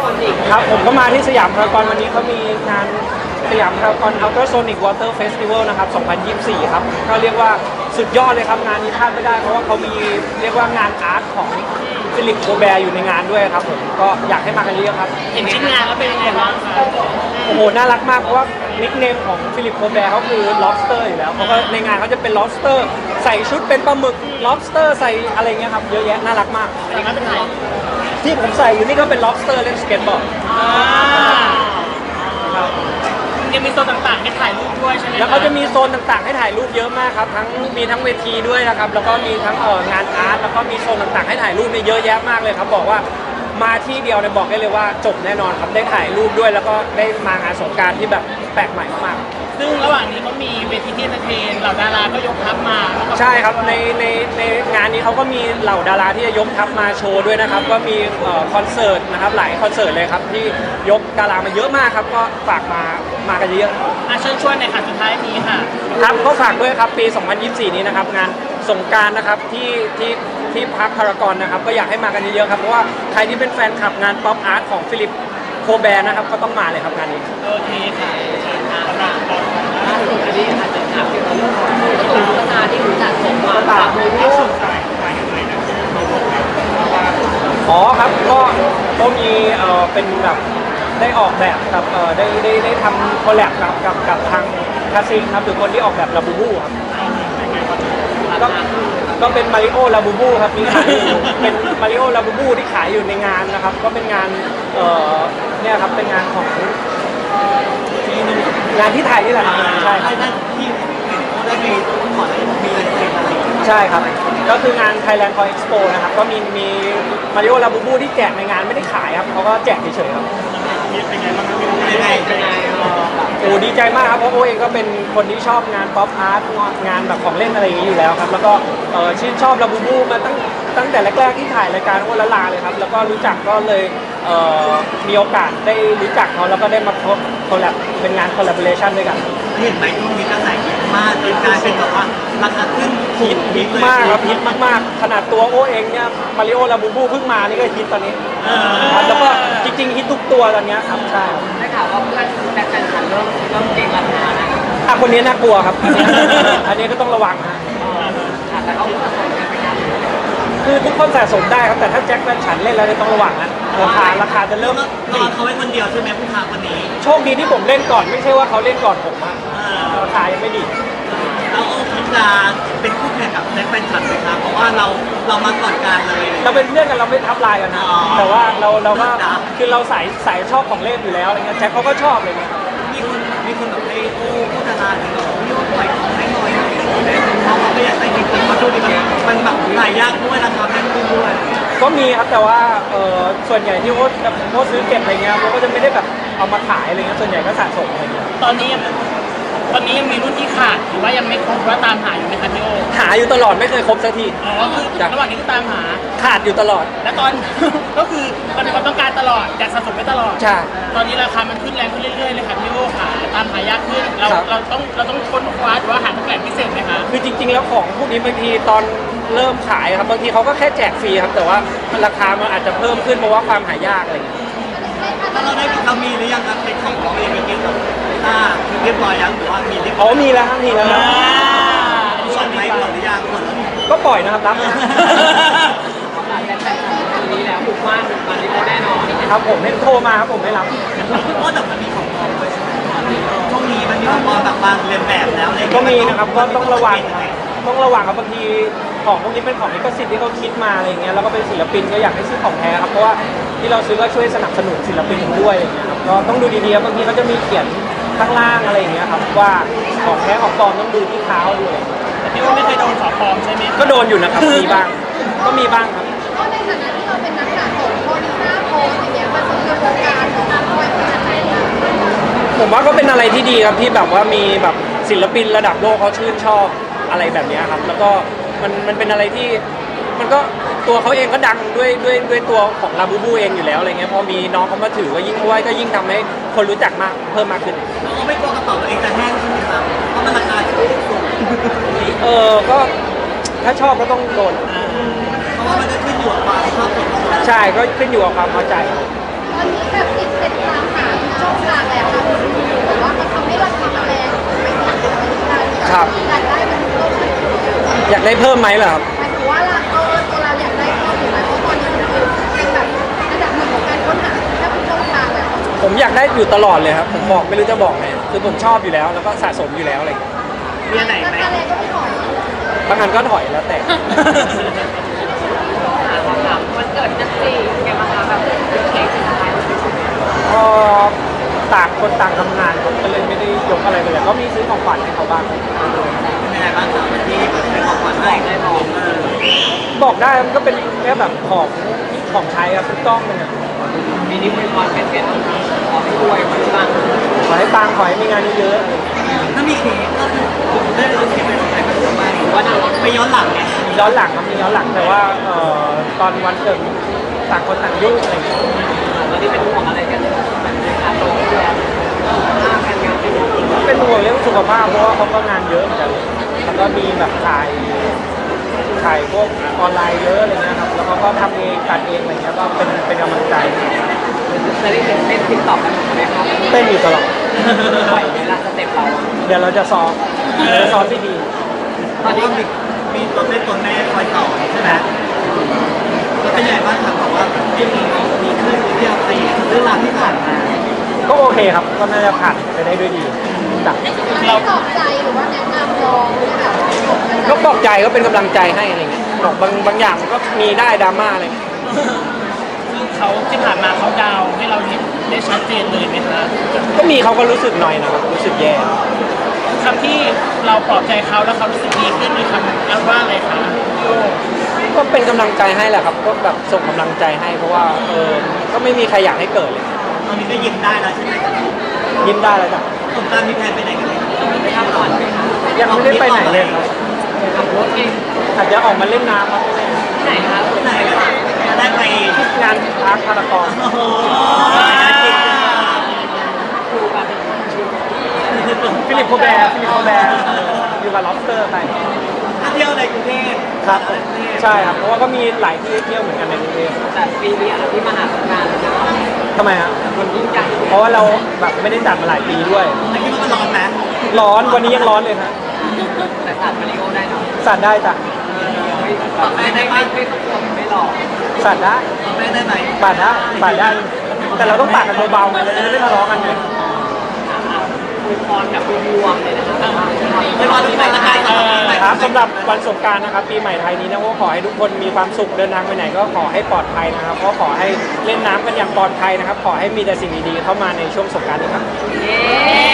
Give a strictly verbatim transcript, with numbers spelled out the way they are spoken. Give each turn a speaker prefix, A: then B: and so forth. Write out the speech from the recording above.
A: นิก
B: ครับผมก็มาที่สยามพารากอนวันนี้เขามีงานสยามพารากอนอัลตราโซนิกวอเตอร์เฟสติวัลนะครับสองพันยี่สิบสี่ครับก็เรียกว่าสุดยอดเลยครับงานนี้พลาดไม่ได้เพราะว่าเขามีเรียกว่างานอาร์ตของฟิลิปโคแบร์อยู่ในงานด้วยครับผมก็อยากให้มากันเยอะๆครับ
A: เห็นชิ้นงานแล้วเป็นยังไงบ้างคะ
B: โอ้โหน่ารักมากเพราะว่านิคเนมของฟิลิปโคแบร์เขาคือ lobster อยู่แล้วเขาก็ในงานเขาจะเป็น lobster ใส่ชุดเป็นปลาหมึก lobster ใส่อะไรเงี้ยครับเยอะแยะน่ารักมาก
A: อันนี้ก็เป็นไทย
B: ที่ผมใส่อยู่นี่ก็เป็น lobster เล่นสเก็ตบอร์ดครับ
A: ยังมีโซนต่างๆให้ถ่ายรูปด้วยใช่ไหม
B: แล้วเขาจะมีโซนต่างๆให้ถ่ายรูปเยอะมากครับทั้งมีทั้งเวทีด้วยนะครับแล้วก็มีทั้งเอ่องานอาร์ตแล้วก็มีโซนต่างๆให้ถ่ายรูปนี่เยอะแยะมากเลยครับบอกว่ามาที่เดียวเนี่ยบอกได้เลยว่าจบแน่นอนครับได้ถ่ายรูปด้วยแล้วก็ได้มางานสงกรานต์ที่แบบแปลกใหม่มาก
A: ๆซึ่งระหว่างนี้เขามีเวทีที่เอนเตอร์เทนเหล่าดาราก็ยกทัพมา
B: ใช่ครับในในในงานนี้เขาก็มีเหล่าดาราที่จะยกทัพมาโชว์ด้วยนะครับก็มีคอนเสิร์ตนะครับหลายคอนเสิร์ตเลยครับที่ยกดารามาเยอะมากครับก็ฝากมามากันเยอะ
A: อ่ะเชิญชวนในค่ะสุดท้ายนี้ค่ะ
B: ครับก็ฝากด้วยครับปีสองพันยี่สิบสี่นี้นะครับงานสงกรานต์นะครับที่ที่ที่พักพารากอนนะครับก็อยากให้มากันเยอะๆครับเพราะว่าใครที่เป็นแฟนคลับงานป๊อปอาร์ตของฟิลิปโคแบร์นะครับก็ต้องมาเลยครับงานนี้
A: โอเคค่ะ
C: ล่าสุดอันนี้อาจจะถามเกี่ยวกับเรื่องของตุ๊กตาที่รู้จักส่งมาจากมือลูก
B: อ๋อครับก็ก็มีเอ่อเป็นแบบได้ออกแบบกับเอ่อได้ได้ได้ทำคอลแลบกับกับกับทางคาซิงครับหรือคนที่ออกแบบลาบูบูครับก็ก็เป็นมาริโอลาบูบูครับมีขายอยู่เป็นมาริโอลาบูบูที่ขายอยู่ในงานนะครับก็เป็นงานเอ่อเนี่ยครับเป็นงานของงานที่ไทยนี่แหละครับใช่ครับ
C: ที่ได้มีขอได้มีอะไรเซ็นอะไร
B: ใช่ครับก็คืองาน Thailand Toy Expo นะครับก็มีมีมาริโอลาบูบูที่แจกในงานไม่ได้ขายครับเขาก็แจกเฉยๆครับ
C: เป็นไงบ้างเป็นไงเป็นไง
B: โอ้ดีใจมากครับเพราะโอเองก็เป็นคนที่ชอบงานป๊อปอาร์ตงานแบบของเล่นอะไรอย่างนี้อยู่แล้วครับแล้วก็ชื่นชอบลาบูบูมาตั้งตั้งแต่แรกๆที่ถ่ายรายการโอละลาเลยครับแล้วก็รู้จักก็เลยมีโอกาสได้รู้จักเขาแล้วก็ได้มาคอลแลบเป็นงานคอลแลบอเรชั่นด้วยกัน
C: เห็นไหมช่วงนี้กระแสฮิตมากจนกลายเป็นแบบว่าราคาขึ้น
B: ฮิตฮิตมากครับฮิตมากๆขนาดตัวโอเองเนี่ยมาริโอลาบูบูเพิ่งมานี่ก็ฮิตตอนนี้ครับแล้วก็จริงๆฮิตทุกตัวตอนนี้ครับใช่
C: ได้ข่าวว่าเพื่อนแบ็คแฟนฉันเริ่มเริ่มเก่งราคาแล้ว
B: อ่ะคนนี้น่ากลัวครับอันนี้ก็ต้องระวังนะ
C: แต่เขาสะสมกันไหมครับ
B: คือทุกคนสะสมได้ครับแต่ถ้าแจ็คแฟนฉันเล่นแล้วต้องระวังนะราคาราคาจะเริ่ม
C: รอเขาไว้คนเดียวใช่ไหมผู้ค้าคนนี้
B: โชคดีที่ผมเล่นก่อนไม่ใช่ว่าเขาเล่นก่อนผมอะราคายังไม่ดี
C: เราคิดจะเป็นคู่แข่งกับแจ็คแฟนฉันไหมครับเพราะว่าเราเรามาก่อนการเลย
B: เราเป็นเพื่อนกันเราไม่ทับลายกันนะแต่ว่าเราเราก็คือเราสายสายชอบของเล่นอยู่แล้วอะไรเงี้ยแจ็คเขาก็ชอบอะไรเงี้ย
C: มีคนมีคนแบบให้โอ้ผู้ดาราถึงแบบพี่โอ้ปล่อยของให้หน่อยเขาไม่อยากได้จริงๆมาดูดิมันมันแบบหลายยากด้วยราคาแพงด้วย
B: ก็มีครับแต่ว่าเออส่วนใหญ่ที่โอ๊ตโอ๊ตซื้อเก็บอะไรเงี้ยโอ๊ตก็จะไม่ได้แบบเอามาขายอะไรเงี้ยส่วนใหญ่ก็สะสมอะไรเงี้ย
A: ตอนนี้ตอนนี้ยังมีรุ่นที่ขาดหรือว่ายังไม่ครบว่าตามหาอยู่ไหมครับพี่โอ
B: หาอยู่ตลอดไม่เคยครบสักที
A: อ๋อคือระหว่างนี้ก็ตามหา
B: ขาดอยู่ตลอด
A: และตอนก็คือมันมีความต้องการตลอดอยากสะสมไว้ตลอด
B: ใช่
A: ตอนนี้ราคามันขึ้นแรงขึ้นเรื่อยๆเลยครับพี่โอค่ะตามหายากขึ้นเราเราต้องเราต้องค้นคว้าหรือว่าหาแหล่งพิเศษไหมคะ
B: คือจริงๆแล้วของพวกนี้บางทีตอนเริ่มขายครับบางทีเขาก็แค่แจกฟรีครับแต่ว่าราคามันอาจจะเพิ่มขึ้นเพราะว่าความหายากอะไรอย่างเงี้ย
C: ถ้าเราได้เรามีหรือยังครับเป็นของของเองมีเกมแบบอ่าเรียบร้อยยังหรือว่ามีเรียบ
B: อ๋อมีแล้วครับมีแล้วครับ
C: ส่วนไหนหมดหรือยังหมดแล้ว
B: ก็ปล่อยนะครับรับนะ
C: นี้แล้วบุกบ้านมาริโอแน่นอน
B: ครับผมให้โทรมาครับผมไม่รับ
C: เพราะแต่มันมีของปลอมด้วยใช่ไหมช่วงนี้มันมีของปลอมแบบบางเรียนแบบแล้วเลย
B: ก็มีนะครับก็ต้องระวังต้องระวังครับบางทีของพวกนี้เป็นของลิขสิทธิ์ที่เขาคิดมาอะไรเงี้ยแล้วก็เป็นศิลปินก็อยากให้ซื้อของแท้ครับเพราะว่าที่เราซื้อก็ช่วยสนับสนุนศิลปินด้วยอย่างเงี้ยครับก็ต้องดูดีๆบางทีเขาจะมีเขียนข้างล่างอะไรอย่างเงี้ยครับว่าของแท้ของปลอมต้องดูที่เท้าด้วย
A: แต่พี่ว่าไม่เคยโดนของปลอมใช่ไหม
B: ก็โดนอยู่นะครับมีบ้างก็มีบ้างครับ
D: ก็ในฐานะที่เราเป็นนักสะสมโพลิซ่าโพสอย่างเงี้ยมาสู่กระบวนการของการปล่อยเป็นอะไร
B: ผมว่าก็เป็นอะไรที่ดีครับที่แบบว่ามีแบบศิลปินระดับโลกเขาชื่นชอบอะไรแบบนี้ครับแล้วก็มันมันเป็นอะไรที่มันก็ตัวเขาเองก็ดังด้วยด้วยด้วยตัวของลาบูบูเองอยู่แล้วอะไรเงี้ยพอมีน้องเขามาถือก็ยิ่งด้วยก็ยิ่งทำให้คนรู้จักมากเพิ่มมากขึ้น
C: เราไม่กลัวกระเป๋าตัวเองจะแห้งใช่ไหมครับเพราะมันราคาสูง
B: เออก็ถ้าชอบก็ต้องโดน
C: เพราะว่ามันจะขึ้นอยู่กับความชอบส่วนตัว
B: ใช่ก็ขึ้นอยู่กับความพอใจ
C: แ
D: ตอนนี้แบบติดติดตามหาช่องทางแล้วค่ะแต่ว่ามันทำให้เราทำแรงไปติดติดไปที่การ
E: ครับ
D: อยากได้มันเพิ่มขึ้น
E: อยากได้เพิ่มไหมเหรอครับ
D: หมายถึงว่าเราเออตัวเราอยากได้เพิ่มอยู่ไหมเพราะตอนนี้มันคือเป็นแบบระดับหนึ่งของการค้นหาแค่เป็นช่องทางแล้ว
E: ผมอยากได้อยู่ตลอดเลยครับผมบอกไม่รู้จะบอกไงคือผมชอบอยู่แล้วแล้วก็สะสมอยู่แล้วอะไรอย่างเงี้ย
C: มีอันไหนไหม
D: อะไรก็ไม่ถอย
E: บางอันก็ถอยแล้วแต่
F: วันเกิดนักสี่แกมาแบบเค้กสุดท้าย
B: ก็ต่างคนต่างทำงานผมก็เลยไม่ได้ยกอะไรเลยก็มีซื้อของขวัญให้เขาบ้าง
C: เป็นยังไงบ้างครับที่เป็นของขวัญให้ได้บอกเออ
B: บอกได้มันก็เป็นแค่แบบของของใช้ครับทุกต้องมันอะ
F: ปีนี้เป็นวันเป็นเป็นขอให้รวยมันบ้าง
B: ขอให้ปังขอให้มีงานเยอะ
C: ถ้ามีเค้กก็คือผมได้รู้เค้กเป็นของใครเป็นของมาหรือว่าไปย้อนหลังเนี่ย
B: ๆมีย้อนหลังครับมีย้อนหลังแต่ว่าเอ่อตอนวันเกิดต่างคนต่างยุ่งอะไรอย่างเงี้ย
F: ตอนนี้เป็นห่วงอะไรกันแบบในการโตขึ้นแล้วมากการงานเป็นห่วง
B: เป็นห่วงเรื่องสุขภาพเพราะว่าเขาก็งานเยอะเหมือนกันแล้วก็มีแบบถ่ายถ่ายพวกออนไลน์เยอะอะไรเงี้ยครับแล้วเขาก็ทำเองตัดเองอะไรเงี้ยก็เป็นเป็นกำลังใจ
F: จะได้เห็นเต้นติ๊กต็อกกันไหมครับ
B: เต้นอยู่ตลอด
F: ปล่อยเวลาสเต็ปเรา
B: เดี๋ยวเราจะซ้อมเดี๋ยวจะซ้อมที่ดี
C: ตอนนี้มีมีตัวแม่ตัวแม่คอยสอนใช่ไหมก็เป็นยังไงบ้างครับบอกว่าที่มีมีขึ้นเรื่องอะไรเรื่องราวที่ผ่านมา
B: ก็โอเคครับก็น่าจะผ่านไปได้ด้วยดีจ้ะ
D: เราตอบใจหรือว่าแนะนำลองให้แบบ
E: ก็บอกใจก็เป็นกำลังใจให้อะไรเงี้ยบอกบางบางอย่างมันก็มีได้ดราม่าอะไรเงี้ย
A: ซึ่งเขาที่ผ่านมาเขาดาวน์ให้เราเห็นได้ชัดเจนเลยไหมคะ
E: ก็มีเขาก็รู้สึกหน่อยนะครับรู้สึกแย่
A: คำที่เราปลอบใจเขาแล้วเขารู้สึกดีขึ้นมีคำอ้างว่าอะไรคะพี่โอ
E: ก็เป็นกำลังใจให้แหละครับก็แบบส่งกำลังใจให้เพราะว่าเออก็ไม่มีใครอยากให้เกิดเลย
C: ตอนนี้ก็ยิ้มได้แล้วใช่ไหม
B: ยิ้มได้แล้วจ้ะ
C: สงกรานต์มีแพลนไปไหนกันไหม
F: ไปทำก่อนไหมคะ
B: ยังไม่ได้ไปไหนเลยครับ
F: ขับรถเอง
B: อาจจะออกมาเล่นน้ำครับ
F: ที่ไหนคะ
C: ที่ไหนกันจะได้ไป
B: งานพาร์คพารากอน
C: โอ้โห
F: ดูแบบ
B: ฟิลิปโคแบร์ฟิลิปโคแบร์อยู่กับล็อบสเตอร์ไป
C: เที่ยวในกรุงเทพ
B: ครับใช่ครับเพราะว่าก็มีหลายที่เที่ยวเหมือนกันในกรุงเทพ
F: แต่ปีนี้อะไรที่มหาสงกรานต์นะคะ
B: ทำไมฮะ
F: มันยิ่งใหญ่
B: เพราะว่าเราแบบไม่ได้จัดมาหลายปีด้วย
C: แต่คิดว่ามันร้อนไหม
B: ร้อนวันนี้ยังร้อนเลยฮะ
F: แต่ตัดมาริโอได้เนาะ
B: สัตว์ได้จ้ะ
F: ไม่ไม่ได้ไม่ไม่ต้องกลัวไม่หลอก
B: สัตว์ได้
C: แม่ได้ไหม
B: ปาดได้ปาดได้ แต่เราต้องปาดกันเบาๆไงเราจะได้ไม่ทะเลาะกันไง
F: คุยพรกับรวมๆเลยนะคะ
C: ไม่รอทุกคนละกัน
B: ครับสำหรับวันสงกรานต์นะครับปีใหม่ไทยนี้นะก็ขอให้ทุกคนมีความสุขเดินทางไปไหนก็ขอให้ปลอดภัยนะครับก็ขอให้เล่นน้ำกันอย่างปลอดภัยนะครับ ขอให้มีแต่สิ่งดีๆเข้ามาในช่วงสงกรานต์นี้ครับ
F: เย้